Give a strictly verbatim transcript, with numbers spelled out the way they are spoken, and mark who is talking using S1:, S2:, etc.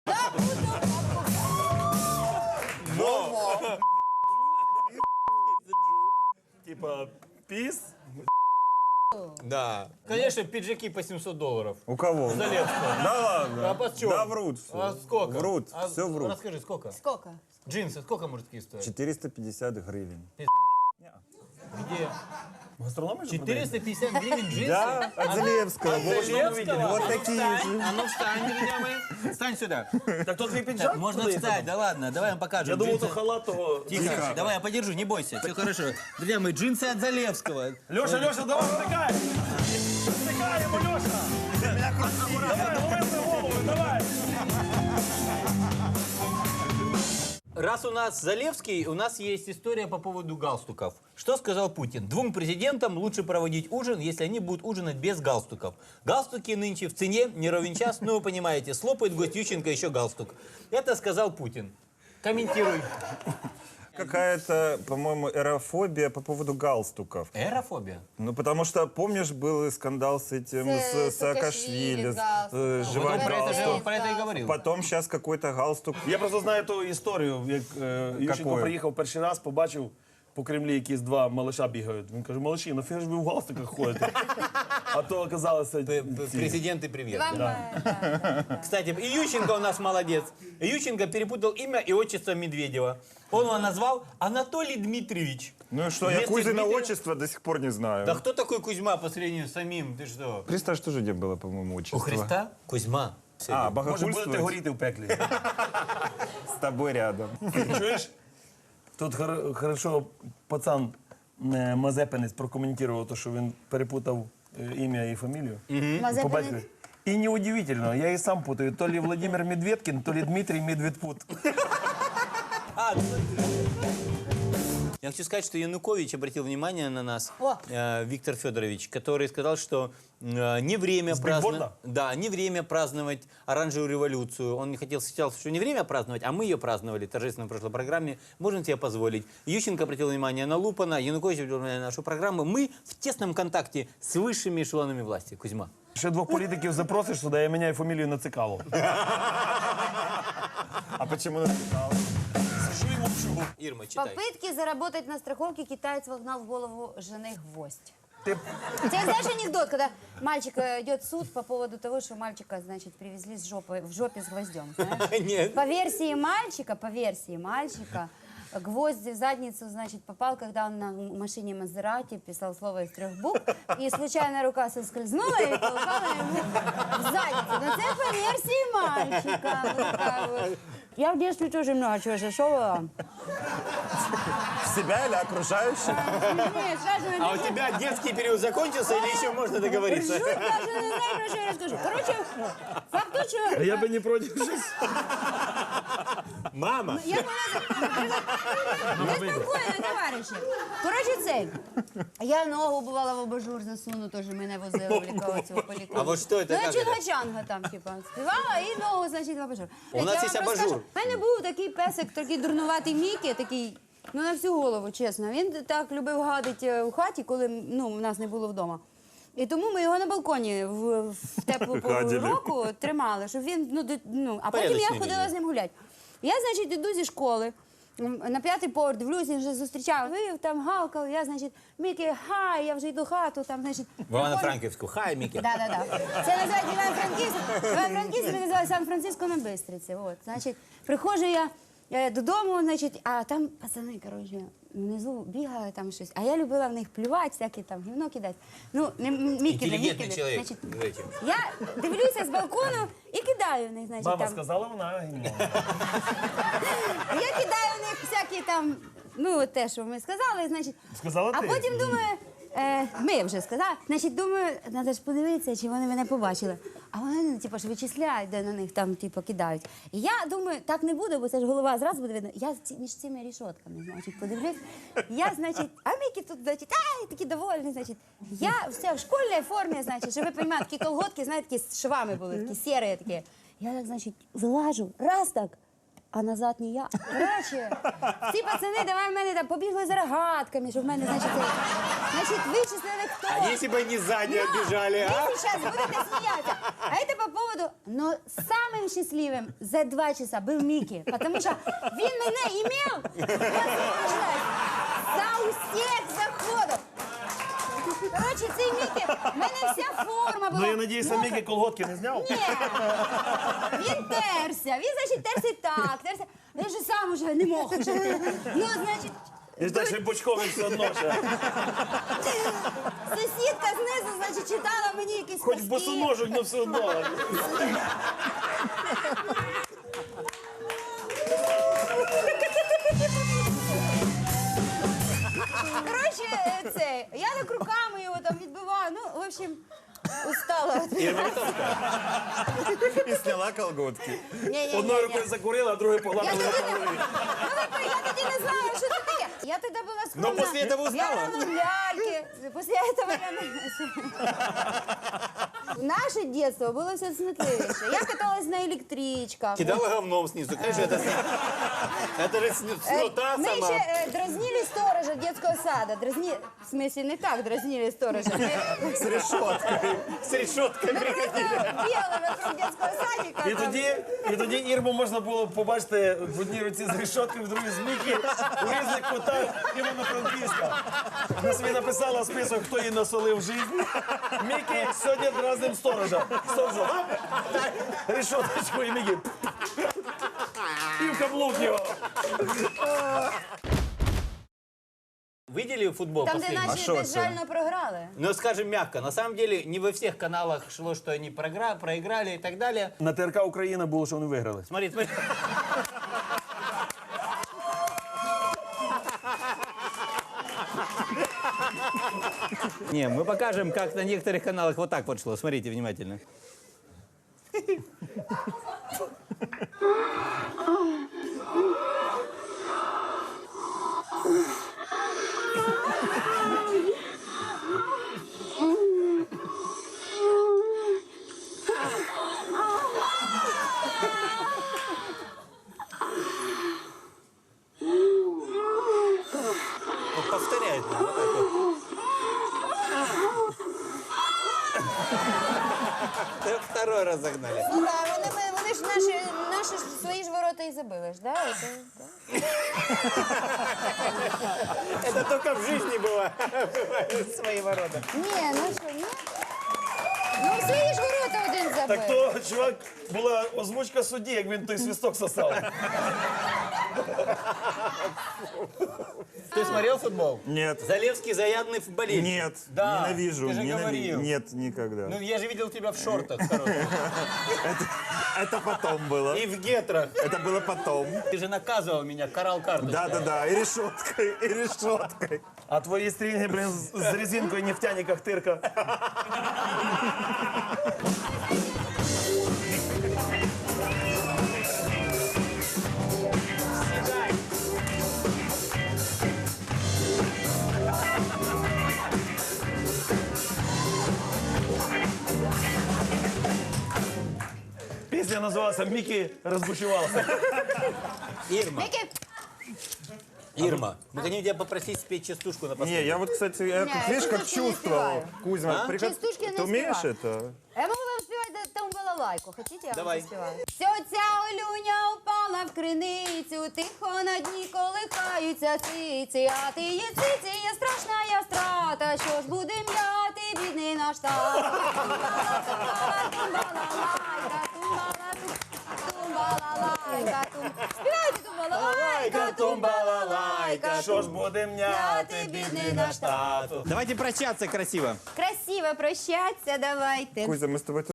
S1: Типа, пис?
S2: Да. Конечно, пиджаки по семьсот долларов.
S3: У кого?
S2: Залевского.
S3: Да ладно.
S2: А почем?
S3: Да врут все.
S2: А сколько?
S3: Врут,
S2: А
S3: все врут.
S2: Расскажи, сколько?
S4: Сколько?
S2: Джинсы, сколько мужские стоят?
S3: четыреста пятьдесят гривен.
S2: Где?
S1: Гастрономы же
S2: четыреста пятьдесят гривен джинсы?
S3: Да, от Залевского.
S2: От
S3: Вот,
S2: Залевского?
S3: вот
S2: А ну
S3: такие
S2: встань,
S3: же.
S2: А ну встань, друзья мои. Встань сюда.
S1: продают? Так тот твій піджак?
S2: Так, можно
S1: продається?
S2: встать, да ладно, давай я вам покажем.
S1: Я думал,
S2: Джинсы.
S1: то халат того.
S2: Тихо, давай я подержу, не бойся, все хорошо. Друзья мои, джинсы от Залевского.
S1: Леша, Леша, давай, втыкай! Втыкай ему, Леша! Давай, лови свою голову, давай!
S2: Раз у нас Залевский, у нас есть история по поводу галстуков. Что сказал Путин? Двум президентам лучше проводить ужин, если они будут ужинать без галстуков. Галстуки нынче в цене, не ровен час, ну вы понимаете, слопает гость Ющенко еще галстук. Это сказал Путин. Комментируй.
S3: Какая-то, по-моему, эрофобия по поводу галстуков.
S2: Эрофобия?
S3: Ну, потому что, помнишь, был скандал с этим,
S4: С
S3: с Саакашвили,
S4: Саакашвили,
S3: с, э,
S4: галстук.
S3: жевать
S2: Вот он про это, же- он
S3: галстук.
S2: про это и говорил.
S3: Потом сейчас какой-то галстук.
S1: Я просто знаю ту історію, як е, Ющенко
S3: Какою?
S1: приїхав перший раз, побачив по Кремлі якісь два малыша бігають. Він каже, малыші, нафіга ж ви в галстуках ходите? А то оказалося
S2: П-
S1: ці.
S2: п- Президент и привет.
S4: Вам, э, да.
S2: Кстати, и Ющенко у нас молодец. Ющенко перепутал имя и отчество Медведева. Он его назвал Анатолий Дмитриевич.
S3: Ну и что, я
S2: Вместо
S3: Кузина
S2: Дмитрия-
S3: отчество до сих пор не знаю.
S2: Да кто такой Кузьма по сравнению с самим? Ты что?
S3: Христа что же где было, по-моему, отчество?
S2: У Христа? Кузьма.
S3: А,
S1: Може,
S3: богохульствовать
S1: будете горіти в пеклі.
S3: с тобой рядом.
S1: Чуєш? Тут хор- хорошо пацан е, Мазепинець прокоментував те, що він перепутав е, ім'я і фамілію. По
S4: Мазепинець?
S1: батькові. І неудивительно, я і сам путаю, то ли Владимир Медведкин, то ли Дмитрий Медведпут.
S2: А, ну, я хочу сказать, что Янукович обратил внимание на нас,
S4: О.
S2: э, Виктор Федорович, который сказал, что э, не время праздновать,
S1: бигборда?
S2: да, не время праздновать оранжевую революцию. Он не хотел, сказал, что не время праздновать, а мы ее праздновали торжественно в прошлой программе. Можем себе позволить. Ющенко обратил внимание на Лупана, Янукович обратил внимание на нашу программу. Мы в тесном контакте с высшими эшелонами власти. Кузьма.
S1: Ще двох політиків запросиш сюди, я міняю фамілію на Цикало.
S3: А почему написал?
S1: Сижу і мовчу.
S2: Ирма, читай.
S4: Попытки заработать на страховке китаец вогнал в голову жены гвоздь.
S1: Ти
S4: У тебя знаешь анекдот, когда мальчик э, идет в суд по поводу того, что мальчика, значит, привезли с жопы, в жопе с гвоздем, знаешь?
S2: Нет.
S4: По версии мальчика, по версии мальчика, гвоздь в задницу, значит, попал, когда он на машине Мазерати писал слово из трех букв, и случайно рука соскользнула и попала ему в задницу. Но это по версии мальчика. Вот такая вот. Я в детстве тоже много чего шашовала.
S3: В себя или окружающих?
S4: Нет, сразу
S2: А у тебя детский период закончился или еще можно договориться?
S4: Ржут, даже не знаю, про что я расскажу. Короче, факт тот, что...
S1: я би не проти щось.
S2: Мама!
S4: Я не спокійно, товариші. Коротше, цей. Я ногу, бувала, в абажур засуну, теж мене возили в лікарцю, в поліклініку.
S2: А вот что это,
S4: Ну, я
S2: как это?
S4: чунга-чанга там, типа, співала і ногу, значить, в абажур.
S2: У нас
S4: Я
S2: є
S4: вам
S2: абажур.
S4: розкажу. У мене був такий песик, такий дурнуватий Мікі, такий, ну, на всю голову, чесно. Він так любив гадити у хаті, коли, ну, в нас не було вдома. І тому ми його на балконі в, в теплу пору
S3: Гадили.
S4: року тримали, щоб він, ну, до- ну, а потім я
S2: Порядочний
S4: ходила
S2: він.
S4: з ним гуляти. Я, значить, іду зі школи, м, на п'ятий поверх, дивлюсь, він вже зустрічав. Вив, там гавкав, я, значить, Мікі, хай, я вже йду в хату, там, значить.
S2: В Ивано-Франківську. Хай, Мікі.
S4: Да, да, да. Це називається Іван-Франківськ. Іван-Франківськ називається Сан-Франциско на Бистриці. От, значить, приходжу я е, додому, значить, а там пацани, коротше, внизу бігали там щось. А я любила в них плювати, всякі там гівно кидати. Ну, не Мікі, не
S2: Інтелігентний
S4: Мікі.
S2: чоловік.
S4: Значить,
S2: Знаєте.
S4: я дивлюся з балкону і кидаю в них, значить,
S1: Мама
S4: там.
S1: сказала, вона гімно.
S4: Я кидаю в них всякі там, ну, те, що ми сказали, значить.
S1: Сказала
S4: а
S1: ти?
S4: потім думаю, е, ми вже сказали, значить, думаю, треба ж подивитися, чи вони мене побачили. А вони, ну, типу, ж вичисляють, де на них там, типу, кидають. І я думаю, так не буде, бо це ж голова зразу буде видно. Я ці, між цими рішотками, значить, подивлюсь. Я, значить, а Мікі тут, значить, ай, такі довольні, значить. Я все в школьній формі, значить, щоб ви розуміли, такі колготки, знаєте, такі з швами були, такі сірі такі. Я так, значить, вилажу, раз так, а назад не я. Коротше, ці пацани давай в мене там побігли за рогатками, щоб в мене, значить, це- значить, вичислили хто.
S2: А если бы они сзади отбежали, а?
S4: Вы сейчас будете смеяться. А это по поводу... Но самым счастливым за два часа был Микки. Потому что він мене имел возможность за усіх заходів. Короче, цей Микки, в мене вся форма була.
S1: Ну я надіюся,
S4: мокра.
S1: Мікі колготки не зняв?
S4: Ні. Він терся. Він, значить, терся так, терся. Він же сам уже не мог уже. Ну, значить...
S1: І ж далі бочковий все одно ще.
S4: Сусідка знизу, значить, читала мені якісь
S1: Хоч
S4: казки.
S1: босоножок, але все одно.
S4: Коротше, це, я так руками його там відбиваю. Ну, в общем, устала.
S3: И сняла колготки.
S4: Ні-ні-ні.
S1: Одною рукою закурила, а другою
S4: Я
S1: погладила
S4: тоді,
S1: по
S4: не,
S1: голові.
S4: ну, ви- я тоді не знала, що це таке. Я тоді була скромна.
S2: Но после этого узнала.
S4: Я грала в ляльки. Після этого я не... Наше дитинство було все смітливіше. Я каталась на електричках.
S2: Кидала говном снизу. Конечно, это, это же сню-
S4: Э,
S2: снута
S4: Мы
S2: сама.
S4: еще э, дразнили сторожа детского сада. Дразни... В смысле, не так дразнили сторожа. Мы
S3: С решеткой.
S2: С решеткой приходили.
S4: бігали вокруг детского садика.
S1: І тоді, і тоді Ірму можна було побачити в одній руці з решоткою, в другій з Мікі, у різних кутах Івано-Франківська. Вона собі написала список, хто їй насолив в житті. Мікі сьогодні разом сторожа. Сторожа, решоточку і Мікі. І в каблук його.
S2: Видели футбол
S4: Там, де
S2: последний?
S4: наші
S3: що це?
S4: безжально програли.
S2: Ну, скажем мягко, на самом деле не во всех каналах шло, что они програ- проиграли и так далее.
S1: На ТРК Україна було, що вони виграли.
S2: Смотри, смотри. Не, мы покажем, как на некоторых каналах вот так вот шло. Смотрите внимательно. Вот повторяет. вот так вот. Да, второй раз загнали.
S4: Ну так, вони, ми- вони ж наші, наші ж свої ж ворота і забили ж, да? Це, да?
S2: Это только в жизни было. Бывают свои ворота.
S4: Ні, ну що, ні? Ну свої ж ворота один забив.
S1: Так то, чувак, була озвучка судді, як він той свисток сосав.
S2: Ты смотрел футбол?
S3: Нет.
S2: Залевский заядлый футболист.
S3: Нет,
S2: Да,
S3: ненавижу.
S2: ты же
S3: ненави-
S2: говорил.
S3: Нет, никогда.
S2: Ну, я же видел тебя в шортах коротких.
S3: Это потом было.
S2: И в гетрах.
S3: Это было потом.
S2: Ты же наказывал меня, карал карточкой.
S3: Да-да-да, и решеткой, и решеткой.
S1: А твої стрінги, блін, з з резинкою нефтяниках тирка. Пісня називалася «Мікі розбушувався».
S2: Ирма,
S4: Мікі,
S2: Ирма, мы хотим тебя попросить спеть частушку на
S3: Не,
S2: последний.
S3: я вот, кстати, я
S4: Не,
S3: тут, видишь, как
S4: частушки не
S3: чувствовал.
S4: спеваю.
S3: Кузьма,
S2: А?
S3: приход-
S4: Частушки не
S3: ты умеешь
S4: спеваю.
S3: это?
S4: я можу вам співати там балалайку. Хотите, я
S2: Давай.
S4: вам заспіваю? Ця Олюня упала в криницю, тихо на дні колихаються циці, а ти є циці, є страшна я страта, що ж буде м'яти, бідний наш тат. Тумбала, тумбала, тумбалалайка, тумбала, тум- тумбалалайка, тум- Співайте тумбалалайка, тумбалалайка,
S1: Що ж буде м'яти, бідний наш тато.
S2: Давайте прощаться красиво.
S4: Красиво прощаться давайте.
S3: Кузя, мы с тобой